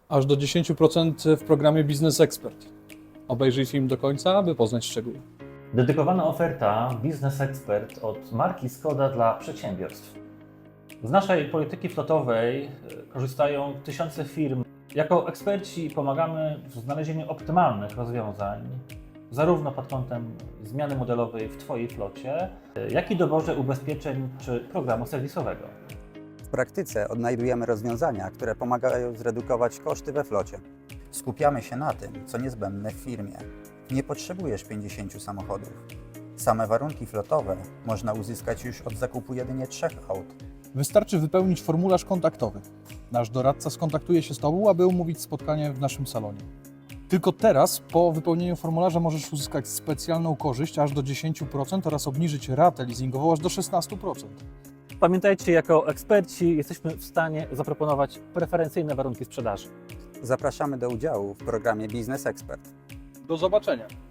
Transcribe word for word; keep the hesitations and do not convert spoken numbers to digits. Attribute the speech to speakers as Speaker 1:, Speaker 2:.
Speaker 1: Aż do dziesięć procent w programie Business Expert. Obejrzyj film do końca, aby poznać szczegóły.
Speaker 2: Dedykowana oferta Business Expert od marki Skoda dla przedsiębiorstw. Z naszej polityki flotowej korzystają tysiące firm. Jako eksperci pomagamy w znalezieniu optymalnych rozwiązań, zarówno pod kątem zmiany modelowej w Twojej flocie, jak i doborze ubezpieczeń czy programu serwisowego.
Speaker 3: W praktyce odnajdujemy rozwiązania, które pomagają zredukować koszty we flocie. Skupiamy się na tym, co niezbędne w firmie. Nie potrzebujesz pięćdziesięciu samochodów. Same warunki flotowe można uzyskać już od zakupu jedynie trzech aut.
Speaker 1: Wystarczy wypełnić formularz kontaktowy. Nasz doradca skontaktuje się z Tobą, aby umówić spotkanie w naszym salonie. Tylko teraz, po wypełnieniu formularza, możesz uzyskać specjalną korzyść aż do dziesięć procent oraz obniżyć ratę leasingową aż do szesnaście procent.
Speaker 2: Pamiętajcie, jako eksperci jesteśmy w stanie zaproponować preferencyjne warunki sprzedaży.
Speaker 3: Zapraszamy do udziału w programie Business Expert.
Speaker 1: Do zobaczenia!